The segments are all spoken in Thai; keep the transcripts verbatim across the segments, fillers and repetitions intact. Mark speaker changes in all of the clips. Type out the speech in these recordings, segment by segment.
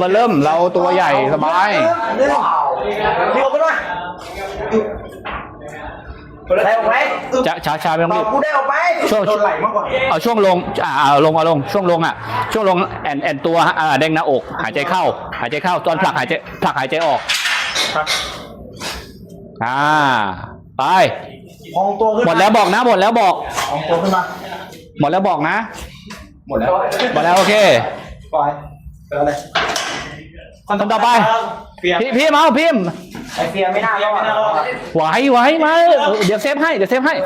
Speaker 1: บอร์เริ่มเราตัวใหญ่สบาย
Speaker 2: มีออกไปด้วยได้ออกไหม
Speaker 1: จะช้าช้าไม่ต้องรีบ
Speaker 2: กูได้ออกไปช่วงไหลมากกว่า
Speaker 1: เอาช่วงลงอ่าเอาลงเอาลงช่วงลงอ่ะช่วงลงแอนแอนตัวอ่าเด้งหน้าอกหายใจเข้าหายใจเข้าตอนผลักหายใจผลักหายใจออกอ่าไป
Speaker 2: พองตัวขึ้น
Speaker 1: หมดแล้วบอกนะหมดแล้วบอก
Speaker 2: พองตัวขึ้นมา
Speaker 1: หมดแล้วบอกนะ
Speaker 2: หมดแล้ว
Speaker 1: หมดแล้วโอเค
Speaker 2: ปล่อยเจอเลย
Speaker 1: คนต่อไปพี่พี่มาพิมพ์
Speaker 2: ไอเฟียไม่น่ารอด
Speaker 1: ไหวไหวมาเดี๋ยวเซฟให้เดี๋ยวเซฟให้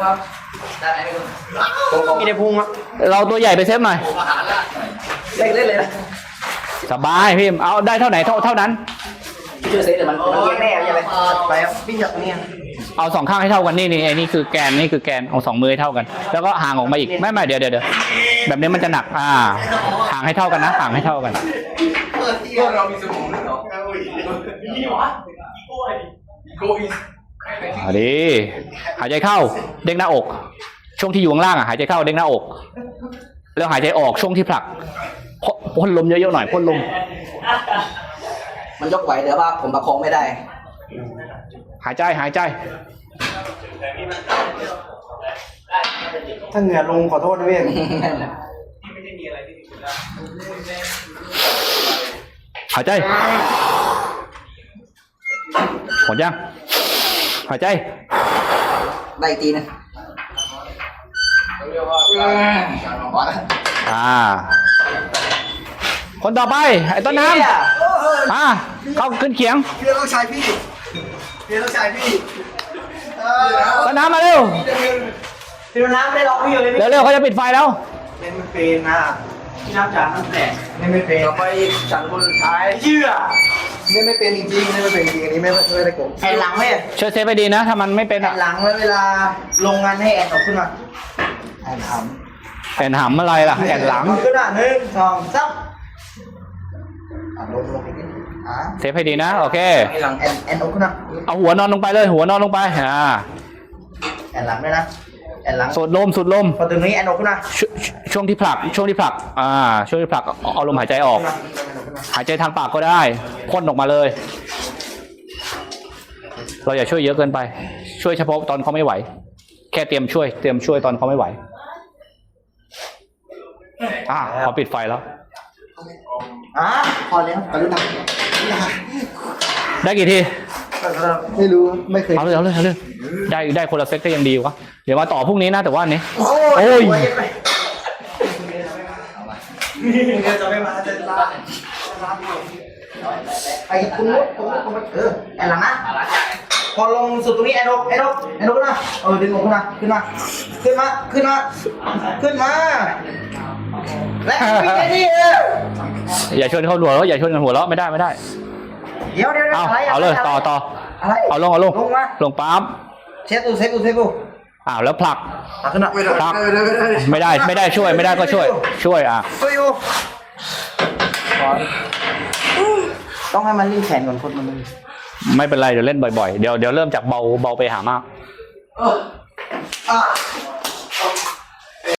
Speaker 2: มีในพุงอ่ะ
Speaker 1: เราตัวใหญ่ไปเซฟหน่อย
Speaker 2: เล่นเล่นเลยนะ
Speaker 1: สบายพิมพ์เอาได้เท่าไหนเท่าเท่านั้น
Speaker 2: พี่ช่วยเซฟเดี๋ยวมันมันแน่ยังไงไปครับพี่จับตรงนี้
Speaker 1: เอาสองข้างให้เท่ากันนี่นี่ไอ้นี่คือแกนนี่คือแกนเอาสองมือให้เท่ากันแล้วก็ห่างออกมาอีกไม่ไม่เดี๋ยวเดี๋ยวแบบนี้มันจะหนักอ่าห่างให้เท่ากันนะห่างให้เท่ากัน
Speaker 3: เรามีสมองด้วยเหรอนี่วะโกอี
Speaker 1: อ่าดีหายใจเข้าเด้งหน้าอกช่วงที่อยู่ข้างล่างอ่ะหายใจเข้าเด้งหน้าอกแล้วหายใจออกช่วงที่ผลักพ่นลมเยอะๆหน่อยพ่นลม
Speaker 2: มันยกไหวแต่ว่าผมประคองไม่ได้
Speaker 1: หายใจหายใจ
Speaker 2: ถ้าเหงื่อลงขอโทษด้วย
Speaker 1: หายใจหมดยังหายใจ
Speaker 2: ได้ตีนะ
Speaker 1: อ่าคนต่อไปไอ้ต้นน้ำอ่าเข้าขึ้นเขียง
Speaker 3: พี่ต้องใช้พี่พี่ต้องใช้พี่
Speaker 1: ต้นน้ำมาเร็ว
Speaker 2: พี่ต้นน้ำไม่รอพี่อยู่เลย
Speaker 1: เร็วๆเขาจะปิดไฟแล้ว
Speaker 2: เล่นไม่เป็นนะพี่น้ำจานน้ำแตกเล่นไม่เป็นต่อไปฉันคนสุดท้ายเชื่อเล่นไม่เป็นจริงๆเล่นไม่เป็นจริงอันนี้ไม่ไม่ได้โกงแอนหลังไหม
Speaker 1: ช่วยเซฟไปดีนะถ้ามันไม่เป็น
Speaker 2: แอนหลังแล้วเวลาลงงานให้แอนออกขึ้นมาแอนห
Speaker 1: ำแอนหำอะไรล่ะแอนหลัง
Speaker 2: ขึ้นอ่ะหนึ่งสองสามลงลงไปนิด
Speaker 1: เซฟให้ดีนะโอเค
Speaker 2: แอนหลังแอนแอนออกขึ้นมา
Speaker 1: เอาหัวนอนลงไปเลยหัวนอนลงไปอ่า
Speaker 2: แอนหลังด้วยนะแอนหลัง
Speaker 1: สูดลมสูดลม
Speaker 2: พอตรงนี้แอนออกขึ้นมา
Speaker 1: ช่วงที่ผลักช่วงที่ผลักอ่าช่วงที่ผลักเอาลมหายใจออกหายใจทางปากก็ได้พ่นออกมาเลยเราอย่าช่วยเยอะเกินไปช่วยเฉพาะตอนเขาไม่ไหวแค่เตรียมช่วยเตรียมช่วยตอนเขาไม่ไหวอ่าขอปิดไฟแล้ว
Speaker 2: อ่ะพอแล้วกรุณา
Speaker 1: ได้กี่ที
Speaker 2: ไม่รู้ไม่เคย
Speaker 1: เอาเลยเอาเลยเอาเลยได้ได้คนละเซตก็ยังดีวะเดี๋ยวมาต่อพรุ่งนี้นะแต่ว่านี้โอ้ย
Speaker 2: จะไม่มาจะลาไอ้คุณมุดคุณมุดคุณมุดเออแอนหลังนะพอลงสุดตรงนี้แอนอกแอนอกแอนอกนะเออดึงออกขึ้นมาขึ้นมาขึ้นมาขึ้นมาขึ้นมาและวิ่งไปดิเออ
Speaker 1: อย่าชนเขาหัวเราะอย่าชนกันหัวเราะไม่ได้ไม่ได้
Speaker 2: เดี๋ยวเดี๋ยว
Speaker 1: เอาเอาเลยต่อต่อเอาลงเอาลงลงปั๊ม
Speaker 2: เซฟดูเซฟดูเซฟดู
Speaker 1: อ้าวแล้วผลัก
Speaker 2: ขึ้นมา
Speaker 1: ผลักไม่ได้ไม่ได้ช่วยไม่ได้ก็ช่วยช่วยอ่ะ
Speaker 2: ช่วยอยู่ต้องให้มันรีบแขนก่อนคนมัน
Speaker 1: ไม่เป็นไรเดี๋ยวเล่นบ่อยๆเดี๋ยวเดี๋ยวเริ่มจากเบาเบาไปหามาก